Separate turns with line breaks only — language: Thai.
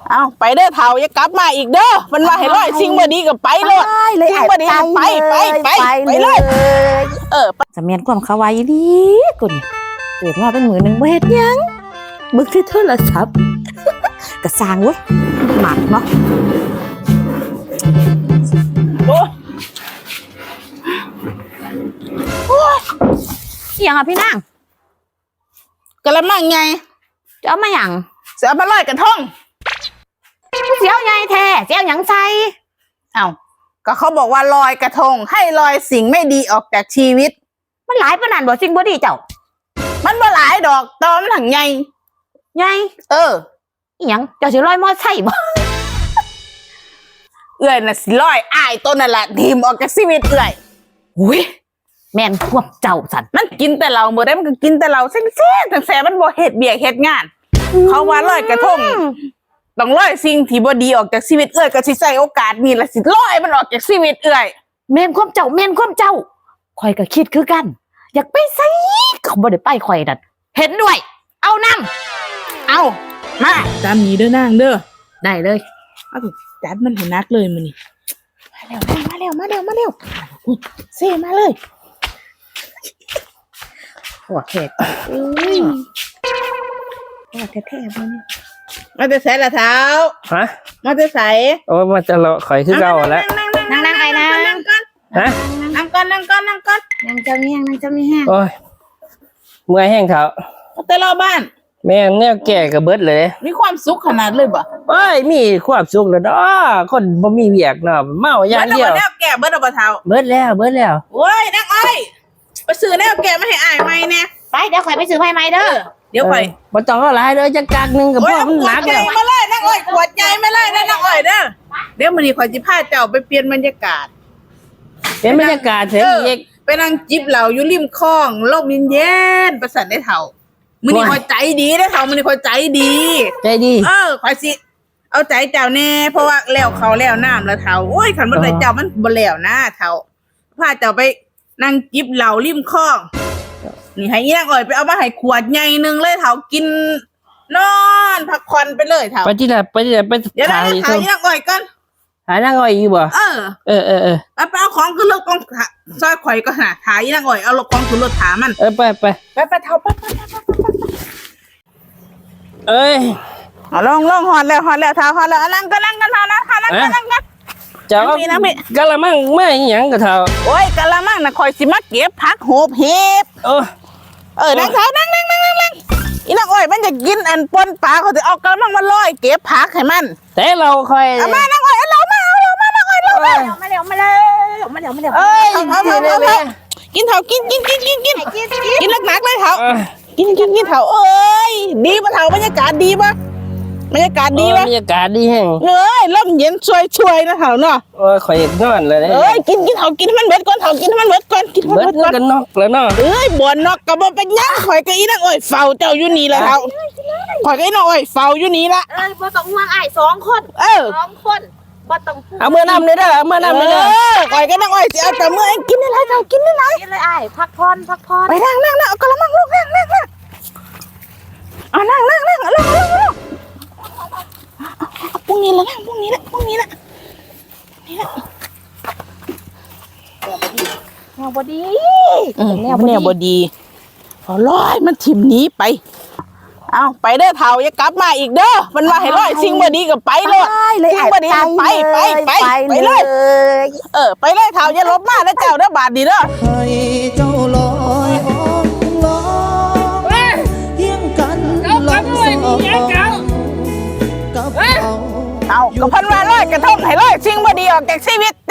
เอาไปเด้อเฒ่าอย่ากลับมาอีกเด้อมันว่าให้ร้อยสิ่งบ่ดีก็ไปเลยสิ่งบ่ดีไปเลย
สำเนียงความเขาวายดีกุนเกิดมาเป็นมือหนึ่งบ่เฮ็ดยังบึกที่โทรศัพท์กระสางเว้ยหมักเนาะเสียงอ่ะพี่นาง
กะละมังไง
จะเอามาหยัง
เสียมาลอยกระทง
เสียวไงแท้เสียวหยังใส่
เอ้าก็เขาบอกว่าลอยกระทงให้ลอยสิ่งไม่ดีออกจากชีวิต
มันหลายปานนั้นบ่สิ่งบ่ดีเจ้า
มันบ่หลายดอกตอมันถังใหญ่
อีหยังเจ้าสิลอยมอไซค์บ่
เอื้อยน่ะสิลอยอ้ายต้นนั่นแหละทีมออกจากชีวิตเอื้อย
อุ้ยแม่นพวกเจ้าสัน
มันกินแต่เราเมื่อได้มันก็กินแต่เราเส้นมันบ่เฮ็ดเบียกเฮ็ดงานเขาว่าลอยกระทงต้องลอยสิ่งที่บ่ดีออกจากชีวิตเอื้อยก็สิใช้โอกาสนี้ละสิลอยมันออกจากชีวิตเอื้อย
แม่นความเจ้าข่อยก็คิดคือกันอยากไปไสเขาบ่ได้ไปข่อยนั่นเห็นด้วยเอานำ
เอามาตามนี้เด้อนางเด้อ
ได้เลย
เอาจัดมันให้นักเลยมื้อนี้มาเร็วเซ่มาเลย
หัวแขกหัวแท้ๆมัน
มาจะใส่ละเท้า
ฮะ
มาจะใส่
โอ้มาจะรอข่อยคือเก่าแล้ว
นั่งไอ้นาง
ฮะ
นั่งก่อน
นั่งเจ้ามีแห้ง
โอ้ยเมื่อยแห้งเท้า
แต่รอบ้าน
แม่แนวแก่กับเบิดเลย
มีความสุขขนาดเลยบ่
เอ้ยมีความสุขแล้วเนาะคนบ่มีเวียกเนาะเมาอย่างเดียว
แนวแก่เบิดบ่เท้า
เบิดแล้ว
โอ้ยนักอ้อยไปซื้อแนวแก่มาให้อ้ายใหม่แน่
ไปเดี๋ยวข่อยไปซื้อให้ใหม่เด้อ
เดี๋ยวข่อย
บ่ต้องเอาหลายเด้อจักกักนึงกับพ่อมันหนักแล้ว
มาเลยนักอ้อยขวดใหญ่มาเลยนะนักอ้อยเด้อเดี๋ยวมื้อนี้ข่อยสิพาเจ้าไปเปลี่ยนบรรยากาศ
เป็นบรรยากาศเถอะอีก
ไปนั่งจิบเหล้าอยู่ริมคลองลมเย็นๆประสานได้เฒ่ามื้อนี้ข่อยใจดีได้เฒ่ามื้อนี้ข่อยใจดีข่อยสิเอาใจเจ้าแน่เพราะว่าแล้วเขาแล้วน้ำแล้วเฒ่าโอ้ยคันบ่ได้เจ้ามันบ่แล้วนะเฒ่าพาเจ้าไปนั่งจิบเหล้าริมคลองนี่ให้อีนางอ้อยไปเอามาให้ขวดใหญ่นึงเลยเฒ่ากินนอนพักผ่อนไปเลยเฒ่า
ไปที่ไหนไป
เดี๋ยวถ่ายอีนางอ้อยก่อน
หานางอ้อยอยู่บ่
ไปเอาของขึ้นรถกองซอยข่อยก็หาถ่ายอีนางอ้อยเอารถของขึ้นรถถามัน
ไป
เฒ่าไป
เอ้ย
เอาลงฮอดแล้วเฒ่าฮอดแล้วนั่งกันเฒ่านะนั่งกัน
เจ้ากะละมังไม่หยังกะเฒ่า
โอ้ยกะละมังน่ะข่อยสิมาเก็บผักโหบเห็บนั่งเฒ่านั่งอีนางอ้อยมันจะกินอันปนปลาเขาสิเอากะละมังมาลอยเก็บผักให้มัน
แต่เราค่อย
เอามานางอ้อยเอามานางอ้อยมาเร็ว
เอ้ย
กินเฒ่ากินหนักเลยเฒ่ากินเฒ่าเอ้ยดีป่ะเฒ่าบรรยากาศดีป่ะบรรยากาศดี
แห้ง
ลมเย็นช่วยนะเฒ่าเนาะ
ข่อยนอนเลย
กินเฒ่ากินให้มันเบิดก่อนเฒ่ากินให้มันเบิดก่อน
กันนอกแล้วเนาะ
บ่นอกก็บ่เป็นหยังข่อยก็อีนางอ้อยเฝ้าเจ้าอยู่นี่ละเฒ่าข่อยก็อีนางอ้อยเฝ้าอยู่นี่ละ
บ่ต้องห่วงอ้าย2 คน2 คนบ่ต้อง
เอาเมื่อน้ำเลยเด้อ
ข่อยก็นางอ้อยสิเอาแต่เมื่อกินอะไรเฒ่ากินอะไร
กินเลยอ้ายพักผ่อน
ไปนั่งเอากระมังลูกนั่งเอานั่งพรุ่งนี้ละนั่งพรุ่งนี้ละ
แนวบ่ดี
แนวบ่ดีพอลอยมันถิ่มหนีไปเอาไปเด้อเฒ่าอย่ากลับมาอีกเด้อมันว่าให้ลอยสิ่งบ่ดีก็ไปเลยสิ่งบ่ดีไปเลยไปเลยเฒ่าอย่าลบมาแล้วเจ้าเด้อบาดดีเด้อ
ให้เจ้าลอยเฮียงกันลองสอง
เอาก็พันว่าลอยกระทงให้ลอยสิ่งบ่ดีออกจากชีวิต